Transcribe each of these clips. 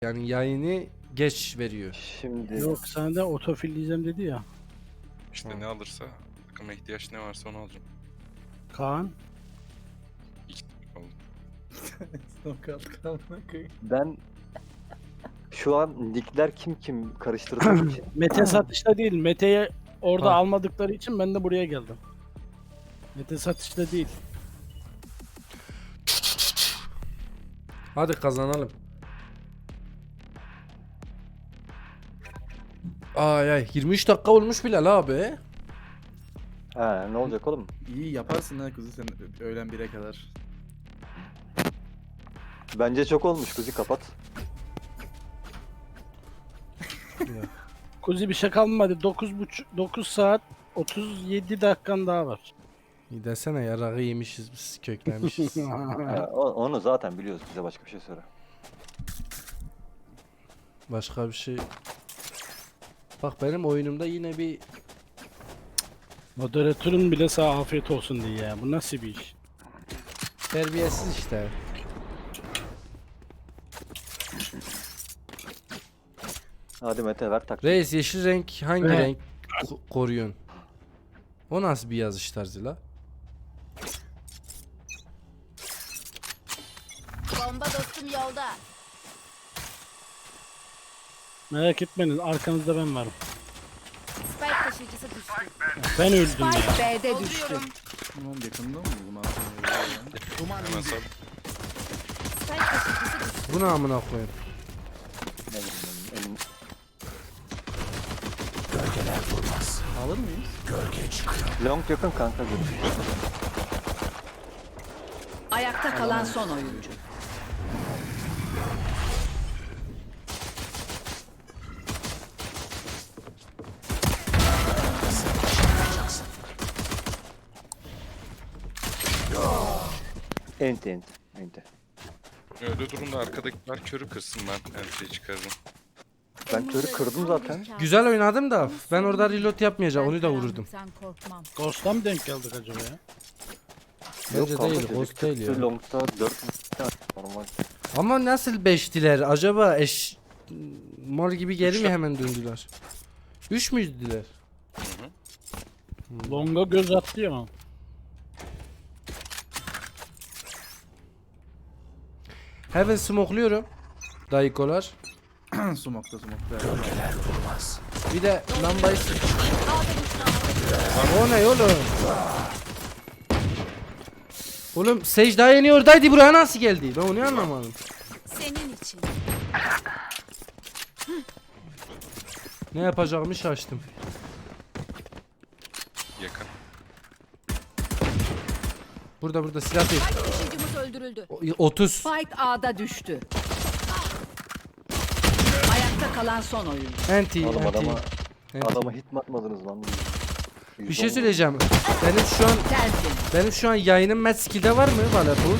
Yani yayını geç veriyor. Şimdi Yok sana da otofilleyeceğim dedi ya. İşte ne alırsa, takıma ihtiyaç ne varsa onu alacağım. Kaan. İki tane oldu. ben şu an nickler kim karıştırdığım için Mete satışta değil. Mete'ye orada Ha. almadıkları için ben de buraya geldim. Mete satışta değil. Hadi kazanalım. Ay ay 23 dakika olmuş Bilal abi. he, ne olacak oğlum? İyi yaparsın ha kuzu sen öğlen 1'e kadar. Bence çok olmuş kuzi, kapat. Kuzi bir şey kalmadı. 9 saat 37 dakikan daha var. İyi desene yarağı yemişiz biz, köklemişiz. He, onu zaten biliyoruz, bize başka bir şey söyle. Başka bir şey. Bak benim oyunumda yine bir Moderatörün bile sağ afiyet olsun diye ya. Bu nasıl bir iş? terbiyesiz işte. Hadi Mete ver taktik. Reis yeşil renk hangi Evet. renk koruyorsun? O nasıl bir yazış tarzı la? Bomba dostum yolda. Merak etmeyin, arkanızda ben varım. Spike taşıyıcısı düştü. Ben öldüm ya. Spike B'de düştü. Tamam yakında mı bu malzeme? Hemen sal. Spike taşıyıcısı düştü. Bu ne amına koyayım? Ne bileyim, Alır mıyız? long yakın kanka, görüşürüz. Ayakta kalan son oyuncu. Enti. Öyle durumda arkadakiler körü kırsın, ben her şeyi çıkarırım. Ben körü kırdım zaten. Güzel oynadım da ben orada reload yapmayacağım, onu da vururdum. Sen korkmam. Ghost'a mı denk geldik acaba ya? Bence kanka, değil, çocuk host değil çıktı, ya. Long'da 4 normal. Ama nasıl 5'tiler? Acaba mor gibi geri mi hemen döndüler? 3 müydüler? Longa göz attı ya. Heaven smokluyorum. Dayıkolar. Smoke'da. Bir de lambayı o ne oğlum? Oğlum Sage daha yeni oradaydı, buraya nasıl geldi? Ben onu anlamadım. Senin için. Ne yapacağımı şaştım. Yakın. Burada silah değil. Spike taşıyıcımız öldürüldü. 30. Spike A'da düştü. Ayakta kalan son oyuncu. Anti, Oğlum anti. adama hit mi atmadınız lan? Bir şey söyleyeceğim. Tersin. Benim şu an yayınım match skill'de var mı Valapur?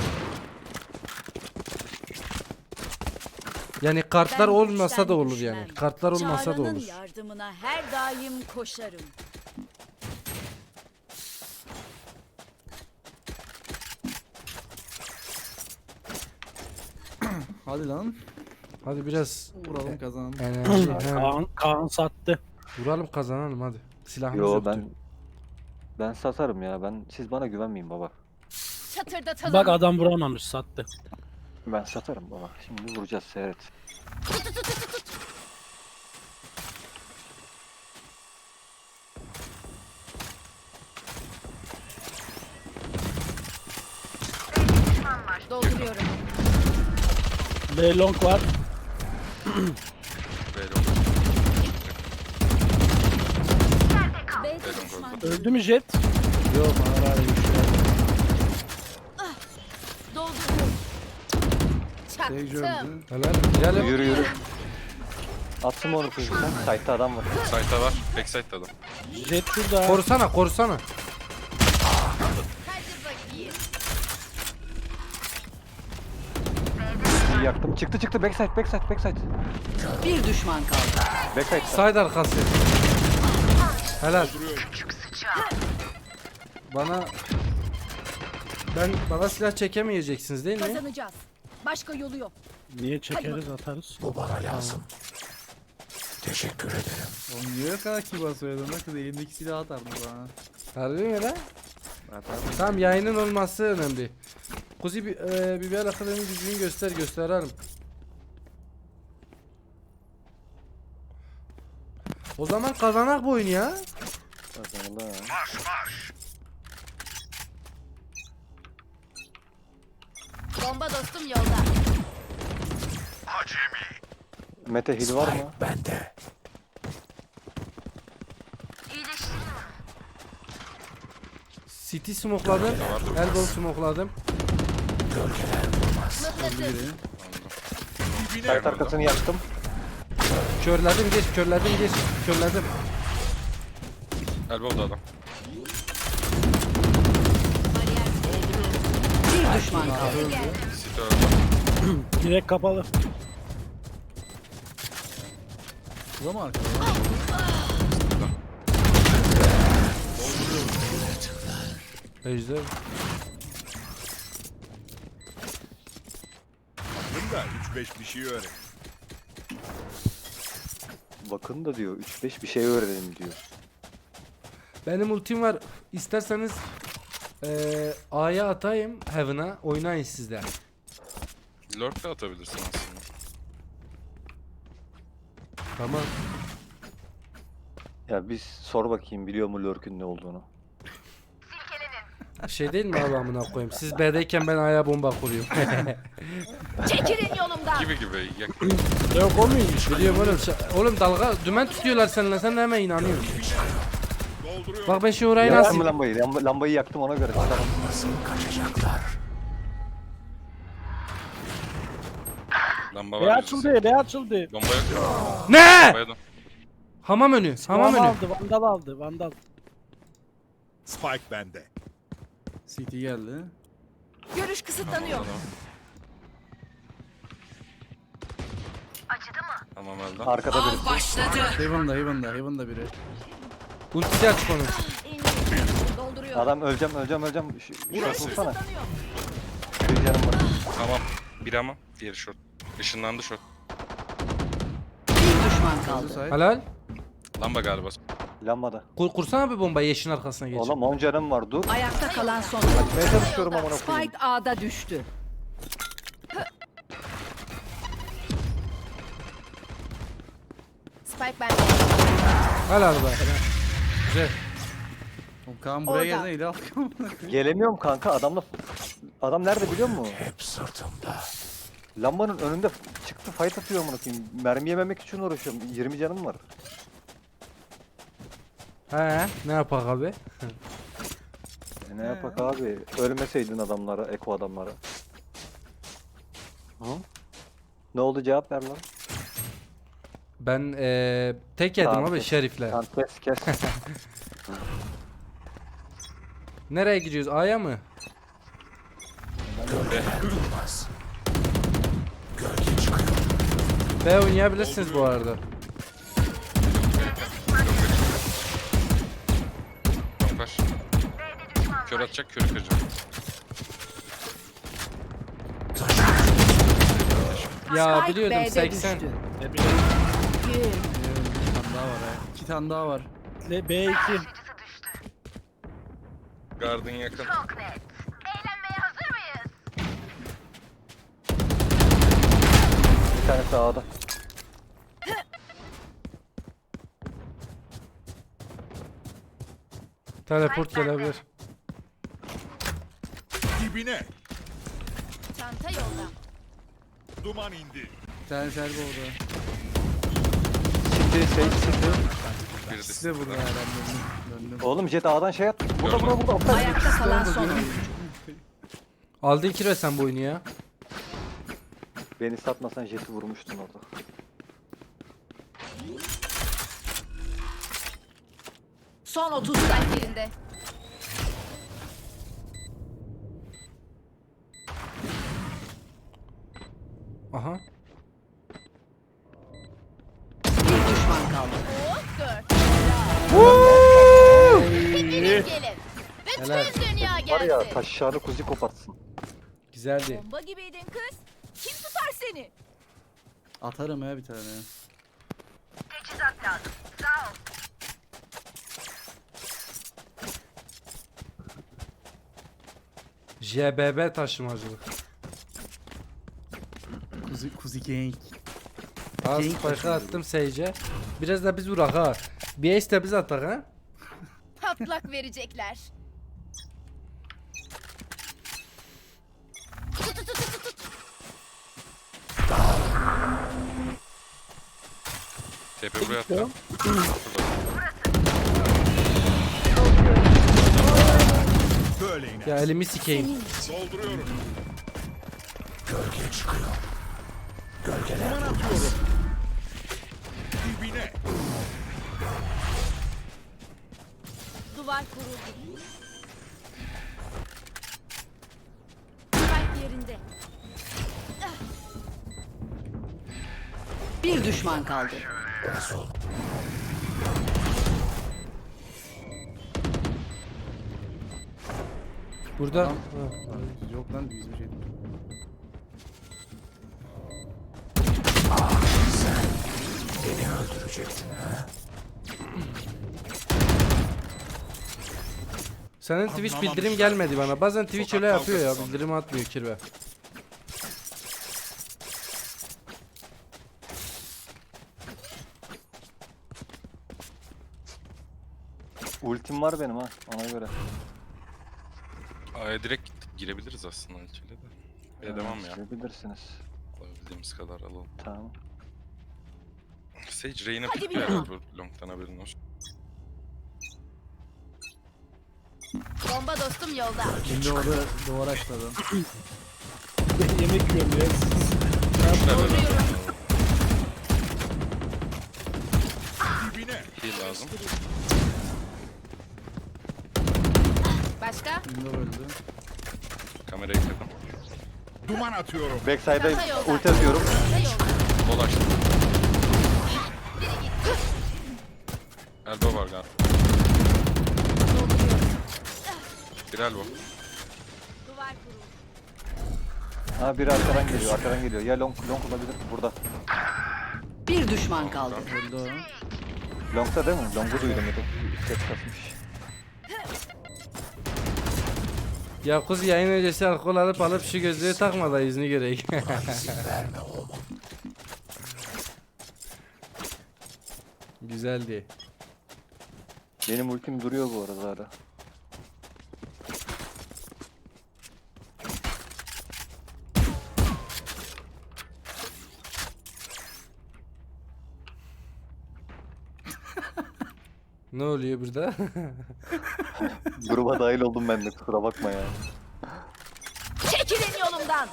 Yani kartlar Ben olmasa da güçten olur düşmem. yani. Kartlar olmasa da Çağrı'nın olur. yardımına her daim koşarım. Hadi lan. Hadi biraz Vuralım kazanalım. enerji. he. Kaan sattı. Vuralım kazanalım hadi. Silahımız Yo yoktu. ben satarım ya. Siz bana güvenmeyin baba. Çatırdatalım. Bak adam vuramamış, sattı. Ben satarım baba. Şimdi vuracağız, seyret. Dolduruyorum. B long var. Böyle oldu. B'de düşman. Öldü mü Jet? Yok hayır. Dolduruyorum. Sage Çaktım. öldü. Helal. Girelim. Yürü. Atsın onu kuzu sen. Site'da adam var. Site'da var. Backside'da adam. Jet şurada. Korusana. Hadi bakayım. İyi yaktım. Çıktı. Backside. Bir düşman kaldı. Backside. Side arkası. Helal. Bana silah çekemeyeceksiniz değil mi? Kazanacağız. Başka yolu yok. Niye çekeriz atarız. Oğlum niye o kadar kibar söyledin lan kız elindeki silahı atardı bana. Harbi mi lan? Atardı. Tamam, yayının olması önemli. Kuzi Biber Akademi gücünü gösterelim. O zaman kazanak bu oyunu ya. Kazanıldı ha. Bomba dostum yolda. Mete hil var mı? City smokladım. Elbow smokladım. Mıknatıs. Site arkasını yaktım. Körledim geç. Körledim. Elbow'da adam. Bir düşman kaldı. City öldü. Direkt kapalı. Bu mu arkada? Ejder. Bunda 3-5 bir şey öğren. Bakın da diyor 3-5 bir şey öğrenelim diyor. Benim ultim var. İsterseniz A'ya atayım. Heaven'a. Oynayın sizler. Lurk da atabilirsin aslında. Tamam. Ya biz sor bakayım biliyor mu Lurk'ün ne olduğunu. Şey değil mi abi, amına koyayım? Siz B'deyken ben A'ya bomba kuruyorum. Çekilin yolumdan. Gibi. Yok o muymuş? Biliyorum oğlum. Oğlum dalga dümen tutuyorlar seninle. Sen de hemen inanıyorsun. Dolduruyor. Bak ben şimdi orayı Yaktım nasıl... mı lambayı? Lambayı yaktım ona göre. Tamam. Lamba B var. açıldı, B açıldı. Bomba yok. Ne? Bombaya dön. Hamam önü. Hamam Vandal önü. aldı, vandal aldı, vandal. Spike bende. CT geldi. Görüş kısıtlanıyor. Tamam öldü. Arkada birisi. Başladı. Heaven'da biri. Ultisi açık onun. Dolduruyor. Adam öleceğim. Şurası vursana. Kısıtlanıyor. Bir canım var. Tamam. Bir ama. Diğeri short. Işınlandı short. Bir düşman kaldı. Side. Helal. Lamba galiba. Lambada. Kursana bir bombayı yeşin arkasına geç. Oğlum 10 canım var dur. Ayakta kalan son oyuncu. Ben çalışıyorum amına koyayım. Spike A'da düştü. Spike bende. Helal be. Güzel. Oğlum Kaan buraya Orada. geldi il al. Gelemiyorum kanka adam nerede biliyor musun? Hep sırtımda. Lambanın önünde çıktı fight atıyor amına koyayım. Mermi yememek için uğraşıyorum. 20 canım var. He, ne yapak abi? Ne yapak abi? Ölmeseydin adamlara, eko adamlara. Hı? Ne oldu cevap ver lan. Ben tek yedim Tamam, abi kes. şerifle. Tamam kes. Nereye gidiyoruz? A'ya mı? B oynayabilirsiniz bu arada. Bombaş. Kör atacak, körü kıracak. Ya Spike biliyordum B'de 80. düştü. Bir tane daha var ha. 2 tane daha var. B2. Garden yakın. Bir tane sağda. Teleport gelebilir. Dibine. Çanta yolda. Duman indi. Bir tane servo orada. Siktir. Biri de İkisi de burada herhalde. Döndüm. Oğlum jet A'dan şey attı. Burada. Aptal. Ayakta kalan son oyuncu. Aldın kire sen bu oyunu ya. Beni satmasan jeti vurmuştun orada. Son 30 saniye. Spike yerinde. Aha. Bir düşman kaldı. Oh, dur. Hepiniz gelin. Bütün Helal. dünya Var ya gelsin. taşlarını kuzi kopartsın. Güzeldi. Bomba gibiydin kız. Kim tutar seni? Atarım ya bir tane. JBB taşımacılık. Kuzi Gang. Az Gank spike'ı taşımacılık. attım Sage'e. Biraz da biz vurak ha. Bir ace de biz atak ha. Patlak verecekler. Tut tut tut tut tut. TP buraya attı. Böyle iner. Ya elimi sikeyim. Dolduruyorum. Dibine. Duvar kuruldu. Spike yerinde. Bir düşman kaldı. Burada. Adam- Ha. Yok lan bizim şey. Senin Twitch bildirim gelmedi bana. Bazen Twitch öyle yapıyor ya. Bildirim atmıyor kirve. Ultim var benim ha ona göre. A'ya direkt gittik. Girebiliriz aslında içeri de. Bir devam ya. Bilirsiniz. Alabildiğimiz kadar alalım. Tamam. Sage Reyna Hadi pikliyor bir- ya bu long'tan haberin olsun. Bomba dostum yolda. Şimdi orada duvar açladım. Yemek yiyorum ya. Şurada böyle Dibine. heal lazım. Başka? Şimdi öldü. Kamerayı kırdım. Duman atıyorum. Backside'a Çanta yolda. ulti atıyorum. Çanta yolda. Bol açtım. Elbow var galiba. Bir elbow. Duvar kuruldu. Ha biri arkadan geliyor arkadan geliyor. Ya long olabilir burada. Bir düşman kaldı. Öldü o. Long'da değil mi? Long'u duydum ya da ses kasmış. Ya kız yayın öncesi alkol alıp şu gözlüğü takma da yüzünü göreyim. Güzeldi. Benim ultim duruyor bu arada hala. Ne oluyor burada? Gruba dahil oldum ben de kusura bakma ya. Çekilin yolumdan.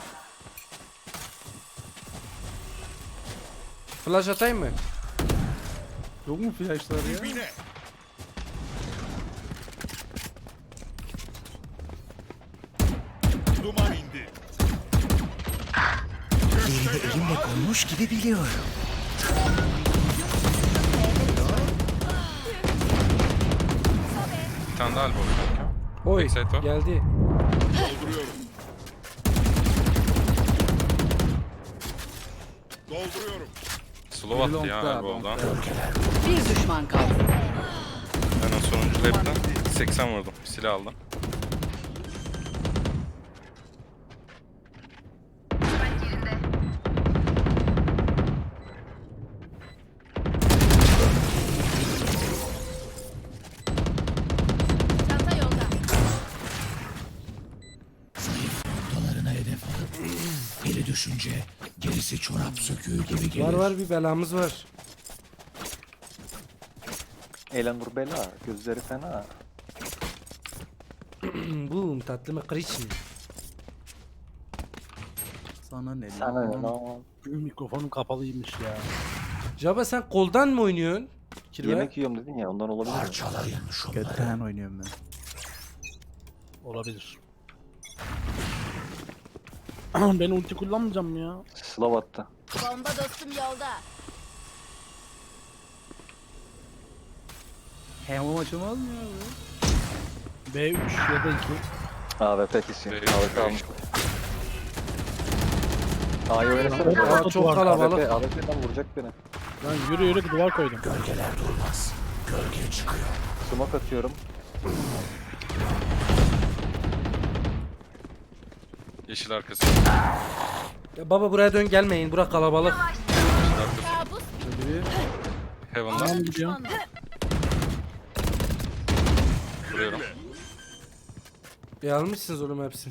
Flash atayım mı? Yok mu flashlar ya? Dibine. Duman indi. Bir tane daha elbow var. Oy Backside var. geldi. Dolduruyorum. Dolduruyorum. Slow attı ya Long'da, elbow'dan. long'da. Bir düşman kaldı. Ben o sonuncu lapten 80 vurdum. Silah aldım. Çanta yolda. Biri düşünce gerisi çorap söküğü gibi gelir. Var var bir belamız var. Elanur bela gözleri fena. Boom tatlı mı kırış mı? Sana ne Sana ne lan? lan? Mikrofonum kapalıymış ya. Jaba sen koldan mı oynuyorsun? Kirve? Yemek yiyorum dedin ya ondan olabilir mi? Parçalayın şunları. Götten oynuyorum ben. Olabilir. Ben ulti kullanmayacağım ya. Slav attı. Bomba dostum yolda. Hem açılmaz mı ya bu? B3 ya da 2. AWP kesin. Ve- AWP almış. A'yı oynasana. Aa, çok kalabalık. AWP'den vuracak beni. Lan yürü yürü duvar koydum. Gölgeler durmaz. Gölge çıkıyor. Smoke atıyorum. Yeşil arkası. Ya baba buraya dön, gelmeyin. Bura kalabalık. Kabus Biri Heaven'da. Tamam gidiyorum. Vuruyorum. Almışsınız oğlum hepsini.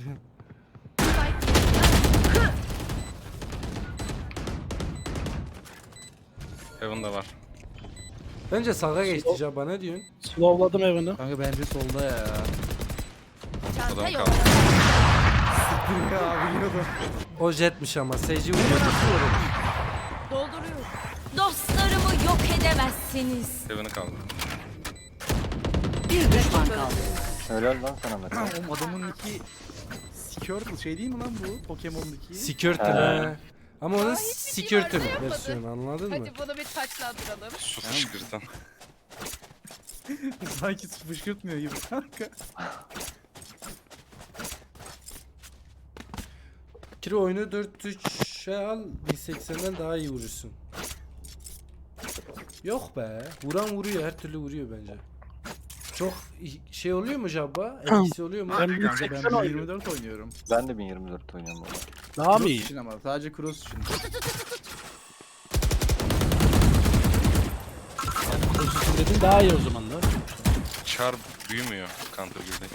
Heaven'da var. Bence sağa geçti Jabba, ne diyorsun? Slowladım evini. kanka bence solda ya. çanta Adam yolda. kaldı. Ya abi yiyordum. O jetmiş ama. Seyirci vuruyor. Dolduruyorum. Dostlarımı yok edemezsiniz. Heaven'ı kaldı. Bir düşman kaldı. Helal lan sana Mete. Oğlum adamın iki Skirtle şey değil mi lan bu? Pokemon'daki. Skirtle. Ama onun Skirtle versiyonu, anladın mı? Hadi bunu bir taçlandıralım. Su fışkırtan. Sanki fışkırtmıyor gibi kanka. Kiri oyunu 4-3'e al, 1080'den daha iyi vurursun. Yok be. Vuran vuruyor, her türlü vuruyor bence. Çok şey oluyor mu Jabba? Etkisi oluyor mu? Ben Kanka ben 1080 oynuyorum. 24 oynuyorum. Ben de 1024 oynuyorum burada. Daha mı Cross iyi? için ama sadece cross için. Pozitif dedin daha iyi o zaman da. Char büyümüyor counter girdi.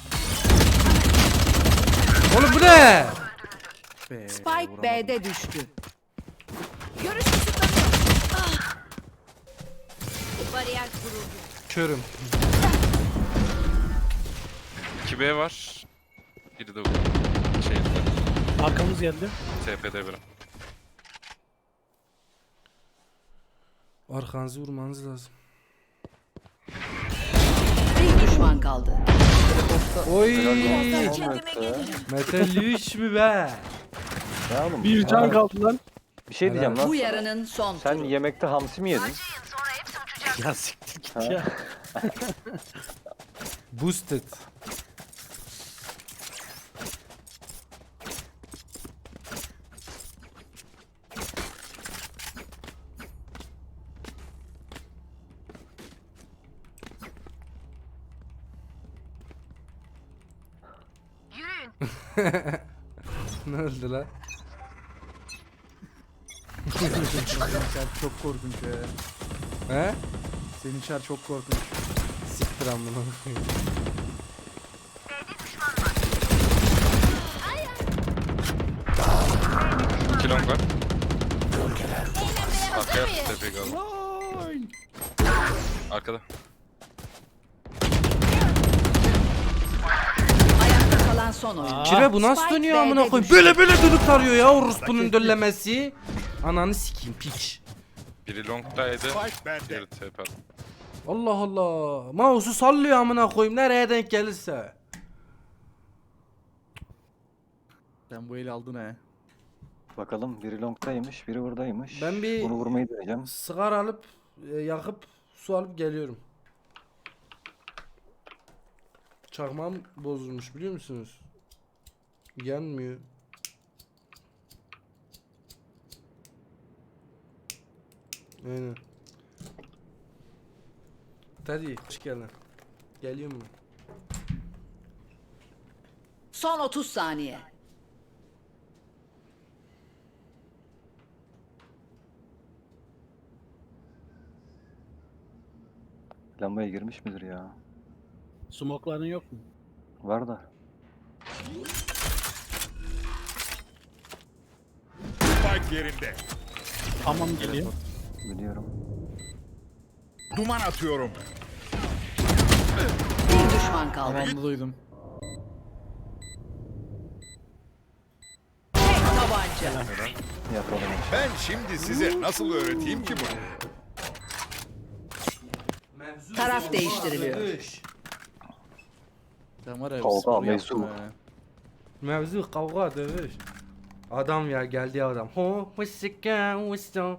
Oğlum bu ne? Be, Spike vuramadım. B'de düştü. Görüş kısıtlanıyor. Ah. Bariyer kuruldu. Körüm. 2B var. Biri de şeyde. Arkamız geldi. TP'de biri. Arkanızı vurmanız lazım. Bir düşman kaldı. Oy. Helal lan Kendime Mete. gelirim. Mete Lüş mü be? Ya oğlum. Bir can ha, kaldı lan. Bir şey diyeceğim lan. Bu yarının son Sen turu. yemekte hamsi mi yedin? Ya siktir git Ha? ya. Boosted. Ne oldu lan? Senin çar çok korkunç ya. He? Senin çar çok korkunç. Siktir amına koyayım. İki long var. Eğlenmeye hazır Arkaya mıyız? TP kaldı. Arkada. Ayakta kalan son oyuncu. Kire bu nasıl Spike dönüyor B'de amına koyayım? düştü. Böyle dönüp tarıyor ya orospunun döllemesi. Ananı sikeyim piç. Biri long'daydı. Spike bende. Diğeri TP aldı. Allah Allah. Mouse'u sallıyor amına koyayım nereye denk gelirse. Sen bu eli aldın he. Bakalım biri long'daymış, biri buradaymış. Ben bir- Bunu vurmayı deneyeceğim. Sigara alıp yakıp su alıp geliyorum. Çakmağım bozulmuş biliyor musunuz? Yanmıyor. Aynen. Hadi hoş geldin. Geliyor mu? Son 30 saniye. Lambaya girmiş midir ya? Smokların yok mu? Var da. Spike yerinde. Tamam geliyor. Biliyorum. Duman atıyorum. Bir düşman kaldı. Tamamını duydum. Tek tabanca. Yapalım. Ben şimdi size nasıl öğreteyim ki bunu? Taraf değiştiriliyor. Sen var ya Kavga, spor mevzu. yaptın ha. Mevzu kavga dövüş. Adam ya geldi adam. Ho mısıkka mısıkka.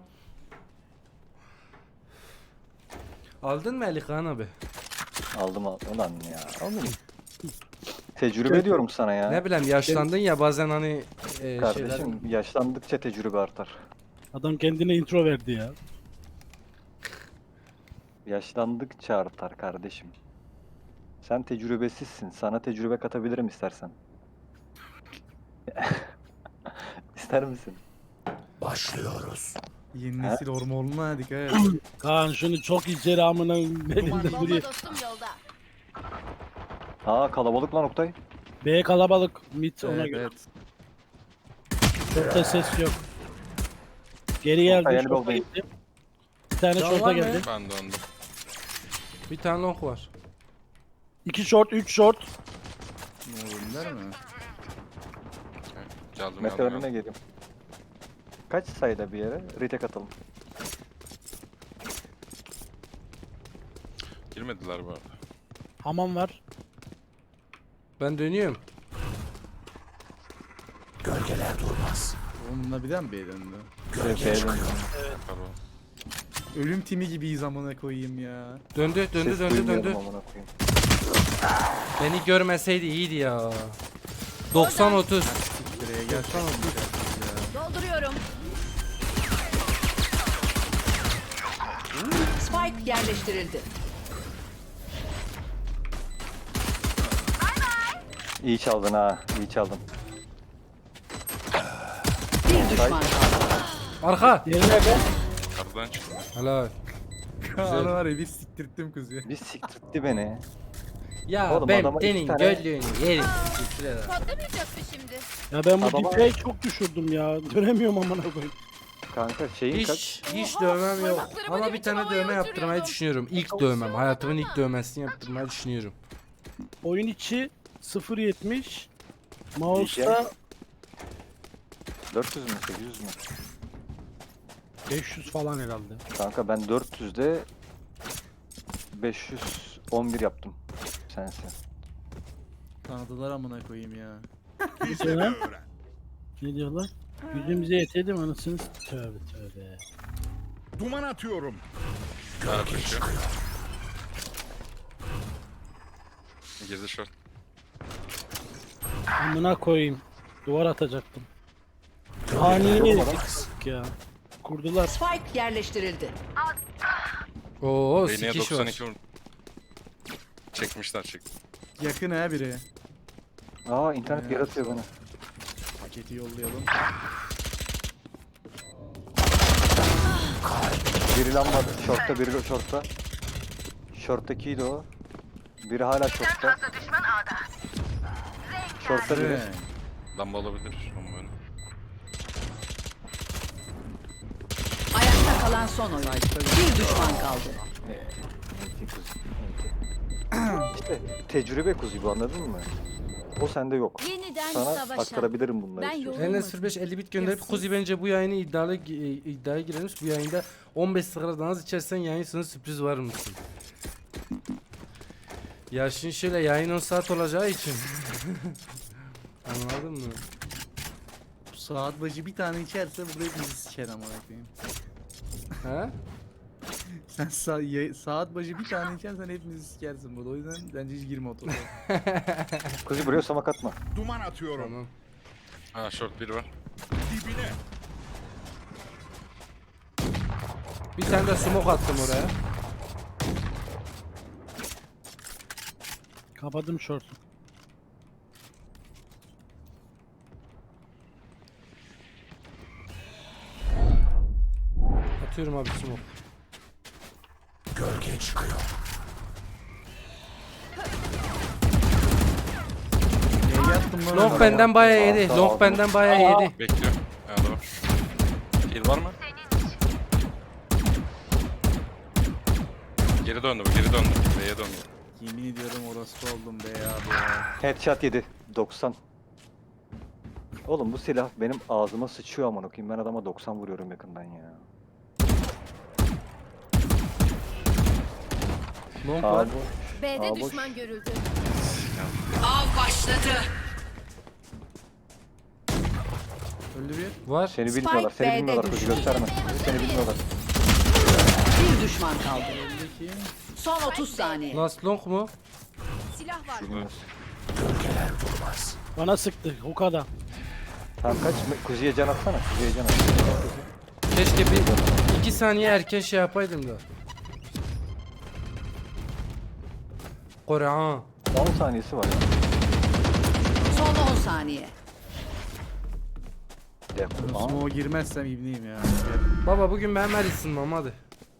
Aldın mı Elikan abi? Aldım aldım. Ulan ya. Oğlum. Tecrübe diyorum sana ya. Ne bileyim yaşlandın ya bazen hani Kardeşim yaşlandıkça tecrübe artar. Adam kendine intro verdi ya. Yaşlandıkça artar kardeşim. Sen tecrübesizsin. Sana tecrübe katabilirim istersen. İster misin? Başlıyoruz. Yeni nesil hormonuna dikkat et. Kaan şunu çok içeri amına belinde Bomba duruyor. dostum yolda. Aa kalabalık lan Oktay. B kalabalık. Mid ona Evet, göre. evet. Şorta ses yok. Geri geldi. Oktay, Şorta elbow'dayım. gitti. Bir tane Can şorta var mı? geldi. Ben döndüm. bir tane long var. 2 short, 3 short. Ne olur der mi? Geldim Mete geldim. önüne geleyim. Kaç sayıda bir yere? Retake atalım. Girmediler bu arada. Hamam var. Ben dönüyorum. Gölgeler durmaz. Onunla bir daha mı B'ye döndü? B'ye dön. Pardon. Ölüm timi gibiyiz amına koyayım ya. Döndü döndü Ses döndü duymuyorum döndü. amına koyayım. Beni görmeseydi iyiydi ya. 90-30. Direğe gel. Dolduruyorum. Spike yerleştirildi. İyi çaldın ha. İyi çaldın. Bir düşman kaldı. Arka. Diğeri nerede? Aradan çıktım. Helal. Kaan'ı var ya bir siktirttim kuzuya. Bir siktirtti beni. Ya Oğlum, ben adama senin iki tane- göllüğünü yerim. Teşekkür ederim. Patlamayacak mı şimdi? Ya ben bu Adama- dipeyi çok düşürdüm ya. Dönemiyorum amına koyayım. Kanka şeyin kaç? Hiç dövmem yok. Parmaklarımı Ama ne bir biçim tane havaya dövme yaptırmayı uçuruyordum. düşünüyorum. İlk dövmem. Hayatımın ilk dövmesini yaptırmayı düşünüyorum. Oyun içi 0.70. Mouse'da 400 mü 800 mü? 500 falan herhalde. Kanka ben 400'de 511 yaptım. Sensin. Tanıdılar amına koyayım ya. Bize de öğren. Ne diyorlar? Yüzümüze yetelim anasını tövbe tövbe. Duman atıyorum. Gölge çıkıyor. Girdi short. Amına koyayım. Duvar atacaktım. Ani ya. Kurdular. Spike yerleştirildi. Oo Beyneye sikiş var. 92 vurdu. Çekmişler çekti. Yakın ha biri. Aa internet geri atıyor bana. Paketi yollayalım. Biri lamba shortta, biri de shortta. Short'takiydi o. Biri hala shortta. Shortta biri. Evet. Lamba olabilir ama böyle. Ayakta kalan son oyun. Bir düşman kaldı. İşte tecrübe kuzu bu, anladın mı? O sende yok. Yeniden Sana savaşa. aktarabilirim bunları. Ben istiyorsan. yolum- Enes 05 50 bit gönderip Kuzi bence bu yayını iddiaya girermiş. Bu yayında 15 sigara az içersen yayın sonu sürpriz var mısın? Ya şimdi şöyle yayın 10 saat olacağı için. Anladın mı? Saat başı bir tane içerse burada hepimizi siker amına koyayım. Ha? Sen saat başı bir tane içersen hepimizi sikersin burada. O yüzden bence hiç girme otoda. Kuzu buraya samak atma. Duman atıyorum. Tamam. Ha short biri var. Dibine. Bir tane de smoke attım oraya. Kapadım short'u. Atıyorum abi smoke. Gölge çıkıyor. Neye yattım lan? Long benden bayağı yedi. Sağ ol. Long benden bayağı yedi. Bekliyor. Ha doğru. Heal var mı? Geri döndü bu, geri döndü. B'ye döndü. Yemin ediyorum orospu oldum be abi ya. Headshot yedi. 90. Oğlum bu silah benim ağzıma sıçıyor amına koyayım. Ben adama 90 vuruyorum yakından ya. Long var. Abi B'de Aa, boş. düşman görüldü. Av başladı. Öldü bir. Var. seni bilmiyorlar. Seni B'de bilmiyorlar. Kuzu düştü. gösterme. Seni bilmiyorlar. Bir düşman kaldı. Öldü ki. Son 30 saniye. Last long mu? Silah var. Bilmiyoruz. Bana sıktı Huka'da. Tamam kaç. Kuzi'ye can atsana. Kuzi'ye can at. Keşke bir 2 saniye erken şey yapaydım da. Korehan. 10 saniyesi var. Son 10 saniye. Aa, Smoke'a girmezsem ibneyim ya. Baba bugün ben ver ısınmam hadi.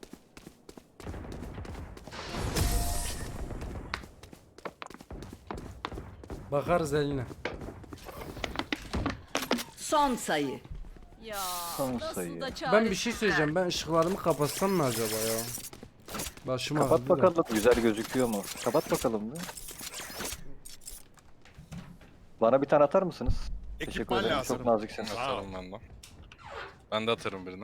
Bakarız eline. Son sayı. Ya Son nasıl sayı. da Ben bir şey söyleyeceğim. Ben ışıklarımı kapatsam mı acaba ya? Başım kapat ağrıdı da. bakalım güzel gözüküyor mu? Kapat bakalım bir. Bana bir tane atar mısınız? Teşekkür Ekipman ederim. lazım. Çok naziksiniz. Sağ ol. Atarım ben de. Ben de atarım birine.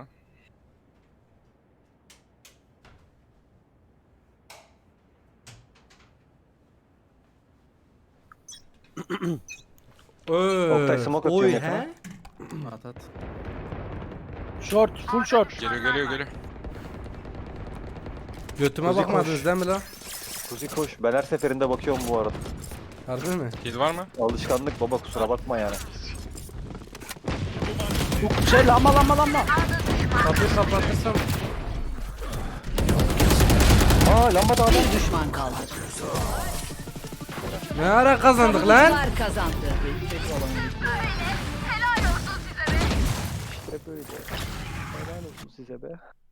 Oktay smoke atıyor Oy yakına. he? At at. Short, full short. Geliyor. Götüme Kuzi bakmadınız koş. değil mi lan? Kuzi koş. Ben her seferinde bakıyorum bu arada. Harbi mi? Kill var mı? Alışkanlık baba kusura bakma yani. Şey lamba. Kapıyı kapatırsam. Aa lamba da adam. Bir düşman kaldı. Ne ara kazandık lan? Savunucular kazandı. İşte böyle. Helal olsun size be.